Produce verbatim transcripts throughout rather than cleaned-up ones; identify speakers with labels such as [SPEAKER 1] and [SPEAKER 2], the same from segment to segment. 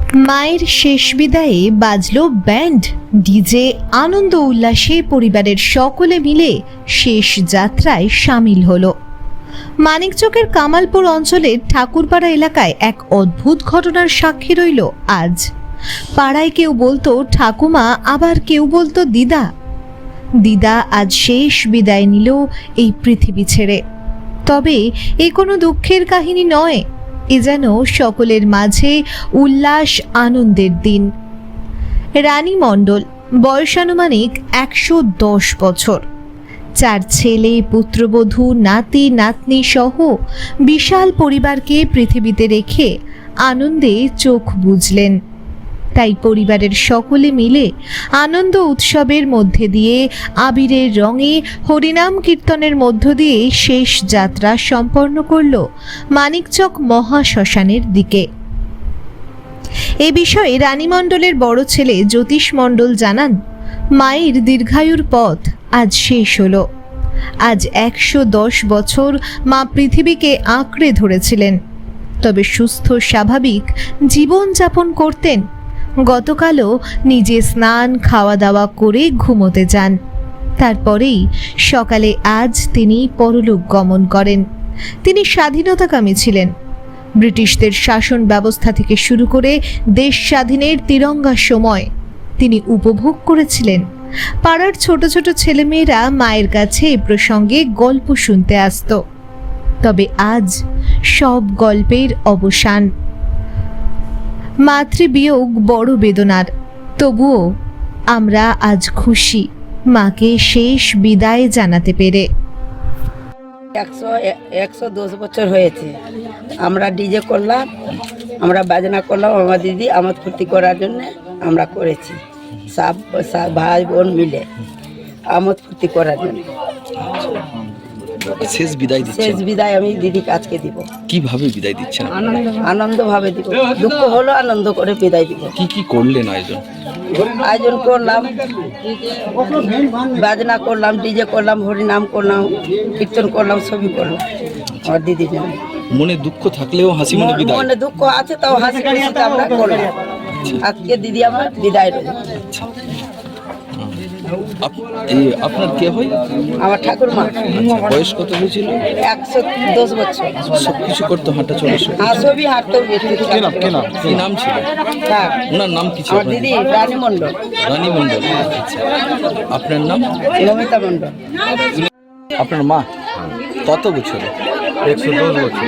[SPEAKER 1] মায়ের শেষ বিদায়ে বাজলো ব্যান্ড, ডিজে, আনন্দ উল্লাসে পরিবারের সকলে মিলে শেষ যাত্রায় সামিল হলো। মানিকচকের কামালপুর অঞ্চলের ঠাকুরপাড়া এলাকায় এক অদ্ভুত ঘটনার সাক্ষী রইল আজ। পাড়ায় কেউ বলতো ঠাকুমা, আবার কেউ বলতো দিদা। দিদা আজ শেষ বিদায় নিল এই পৃথিবী ছেড়ে। তবে এ কোনো দুঃখের কাহিনী নয়, এ যেন সকলের মাঝে উল্লাস আনন্দের দিন। রানী মণ্ডল, বয়সানুমানিক একশো দশ বছর, চার ছেলে, পুত্রবধূ, নাতি নাতনি সহ বিশাল পরিবারকে পৃথিবীতে রেখে আনন্দে চোখ বুজলেন। তাই পরিবারের সকলে মিলে আনন্দ উৎসবের মধ্যে দিয়ে আবিরের রঙে হরিনাম কীর্তনের মধ্য দিয়ে শেষ যাত্রা সম্পন্ন করল মানিকচক মহাশ্মশানের দিকে। এ বিষয়ে রানী মণ্ডলের বড় ছেলে জ্যোতিষ মণ্ডল জানান, মায়ের দীর্ঘায়ুর পথ আজ শেষ হলো। আজ একশো দশ বছর মা পৃথিবীকে আঁকড়ে ধরেছিলেন, তবে সুস্থ স্বাভাবিক জীবনযাপন করতেন। গতকালও নিজে স্নান খাওয়া দাওয়া করে ঘুমোতে যান, তারপরেই সকালে আজ তিনি পরলোক গমন করেন। তিনি স্বাধীনতাকামী ছিলেন। ব্রিটিশদের শাসন ব্যবস্থা থেকে শুরু করে দেশ স্বাধীনের তিরঙ্গার সময় তিনি উপভোগ করেছিলেন। পাড়ার ছোট ছোট ছেলেমেয়েরা মায়ের কাছে এ প্রসঙ্গে গল্প শুনতে আসত। তবে আজ সব গল্পের অবসান। মাতৃবিয়োগ বড় বেদনার, তবুও আমরা আজ খুশি মাকে শেষ বিদায় জানাতে পেরে।
[SPEAKER 2] একশো একশো দশ বছর হয়েছে। আমরা ডিজে করলাম, আমরা বাজনা করলাম, আমার দিদি আমোদ ফুর্তি করার জন্য আমরা করেছি। সব সব ভাই বোন মিলে আমোদ ফুর্তি করার জন্য
[SPEAKER 3] শেষ বিদায় দিচ্ছেন।
[SPEAKER 2] শেষ বিদায় আমি দিদিকে আজকে দিব।
[SPEAKER 3] কিভাবে বিদায় দিচ্ছেন?
[SPEAKER 2] আনন্দ ভাবে দিব, দুঃখ হলো আনন্দ করে বিদায় দিব।
[SPEAKER 3] কি কি করলেন আয়োজন?
[SPEAKER 2] আয়োজন করলাম, বাজনা করলাম, ডিজে করলাম, হরিনাম করলাম, কীর্তন করলাম, সবই করলাম আমার দিদির জন্য।
[SPEAKER 3] মনে দুঃখ থাকলেও হাসি মনে বিদায়।
[SPEAKER 2] মনে দুঃখ আছে তাও হাসি খুশিতে আমরা করলাম। আজকে দিদি আমার বিদায় রইল।
[SPEAKER 3] আপনার কে হয়?
[SPEAKER 2] আমার ঠাকুরমা।
[SPEAKER 3] বয়স কত হয়েছিল?
[SPEAKER 2] একশো দশ বছর।
[SPEAKER 3] সবকিছু করতো, হাঁটা চলা
[SPEAKER 2] সবই হাঁটতেও।
[SPEAKER 3] কি নাম ছিল ওনার? নাম কি ছিল?
[SPEAKER 2] আমার দিদি রানী মণ্ডল।
[SPEAKER 3] রানী মণ্ডল। আচ্ছা, আপনার নাম?
[SPEAKER 2] নমিতা মণ্ডল।
[SPEAKER 3] আপনার মা কত বছর?
[SPEAKER 4] একশো দশ বছর।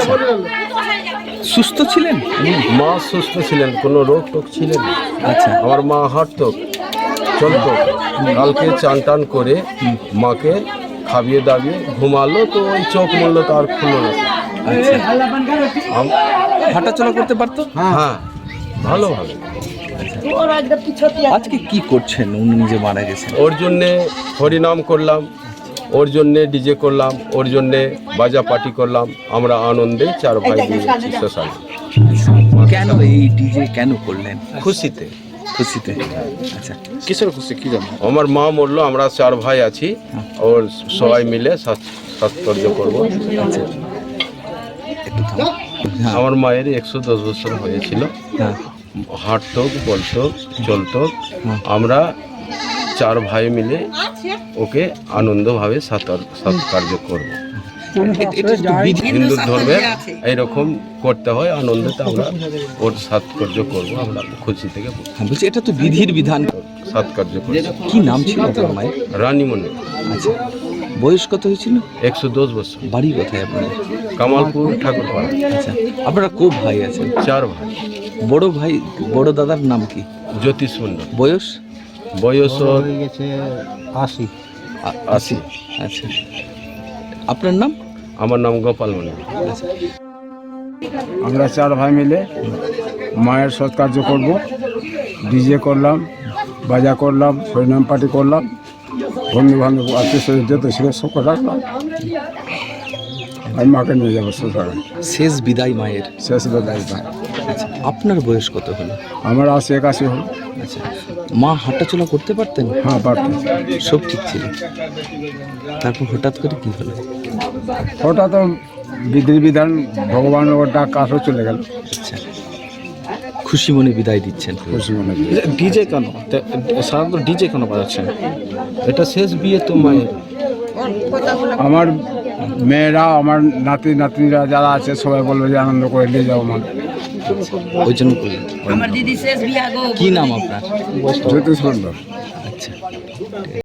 [SPEAKER 3] সুস্থ ছিলেন?
[SPEAKER 4] মা সুস্থ ছিলেন, কোনো রোগ টোগ ছিলেন।
[SPEAKER 3] আচ্ছা,
[SPEAKER 4] আমার মা হাঁটতো, চলতো। কালকে চান টান করে মাকে খাবিয়ে দাবিয়ে ঘুমালো, তো ওই চোখ মরলো, তো আর খুললো না।
[SPEAKER 3] আচ্ছা, হাঁটা চলা করতে পারতো?
[SPEAKER 4] হ্যাঁ, ভালোভাবে।
[SPEAKER 3] আজকে কি করছেন? উনি নিজে মারা গেছেন,
[SPEAKER 4] ওর জন্যে হরিনাম করলাম, ওর জন্যে ডিজে করলাম, ওর জন্যে বাজা পার্টি করলাম। আমরা আনন্দে চার ভাই দিয়েছি শ্মশানে।
[SPEAKER 3] কেন এই ডিজে কেন করলেন?
[SPEAKER 4] খুশিতে।
[SPEAKER 3] খুশিতে। আচ্ছা, কিসের খুশি কি জানো?
[SPEAKER 4] আমার মা মরলো, আমরা চার ভাই আছি, ওর সবাই মিলে সৎকার্য করবো।
[SPEAKER 3] আচ্ছা, একটু থামো। হ্যাঁ।
[SPEAKER 4] আমার মায়ের একশো দশ বছর হয়েছিল।
[SPEAKER 3] হ্যাঁ।
[SPEAKER 4] হাঁটতো, বলতো, চলতো।
[SPEAKER 3] হ্যাঁ।
[SPEAKER 4] আমরা চার ভাই মিলে ওকে আনন্দভাবে সৎকার্য করবো। হিন্দু ধর্মের এইরকম করতে হয়, আনন্দতে আমরা ওর সৎকার্য করবো। আমরা খুশি থেকে
[SPEAKER 3] বলছি, এটা তো বিধির বিধান।
[SPEAKER 4] সৎকার্য করবো।
[SPEAKER 3] কি নাম ছিল আপনার মায়ের?
[SPEAKER 4] রানী মণ্ডল।
[SPEAKER 3] আচ্ছা, বয়স কত হয়েছিল?
[SPEAKER 4] একশো দশ বছর।
[SPEAKER 3] বাড়ি কোথায় আপনাদের?
[SPEAKER 4] কামালপুর, ঠাকুরপাড়া।
[SPEAKER 3] আচ্ছা, আপনারা কো ভাই আছেন?
[SPEAKER 4] চার ভাই।
[SPEAKER 3] বড় ভাই, বড় দাদার নাম কি?
[SPEAKER 4] জ্যোতিষ মণ্ডল।
[SPEAKER 3] বয়স?
[SPEAKER 4] বয়স
[SPEAKER 5] হয়ে গেছে আশি।
[SPEAKER 4] আশি।
[SPEAKER 3] আচ্ছা, আপনার নাম?
[SPEAKER 4] আমার নাম গোপাল মণ্ডল।
[SPEAKER 3] আচ্ছা,
[SPEAKER 5] আমরা চার ভাই মিলে মায়ের সৎকার্য করব। ডিজে করলাম, বাজা করলাম, হরিনাম পার্টি করলাম, বন্ধু বান্ধব আত্মীয় স্বজন যেত ছিল সব রাখলাম। আমি মাকে নিয়ে যাবো শ্বশুরে।
[SPEAKER 3] শেষ বিদায় মায়ের।
[SPEAKER 5] শেষ বেলায় ভাই।
[SPEAKER 3] আচ্ছা, আপনার বয়স কত হলো?
[SPEAKER 5] আমার আশি একাশি হল।
[SPEAKER 3] আচ্ছা, মা হাঁটাচলা করতে পারতেন?
[SPEAKER 5] হ্যাঁ, পারতাম।
[SPEAKER 3] সব ঠিক ছিল, তারপর হঠাৎ করে কি হলো?
[SPEAKER 5] ওটা তো বিধির বিধান, ভগবানের ডাক আসো চলে গেল।
[SPEAKER 3] আচ্ছা, খুশি মনে বিদায় দিচ্ছেন।
[SPEAKER 5] খুশি মনে করি।
[SPEAKER 6] ডিজে কেন তে- সাধারণত ডিজে কেন বাজাচ্ছেন?
[SPEAKER 4] এটা শেষ বিয়ে তো মায়ের।
[SPEAKER 5] আমার মেয়েরা, আমার নাতি নাতনিরা যারা আছে সবাই বলবে যে আনন্দ করে নিয়ে যাও মা।
[SPEAKER 3] ওই জন্য করলেন।
[SPEAKER 2] আমার দিদি শেষ বিয়া গো।
[SPEAKER 3] কি নাম আপনার?
[SPEAKER 5] যত সুন্দর।
[SPEAKER 3] আচ্ছা।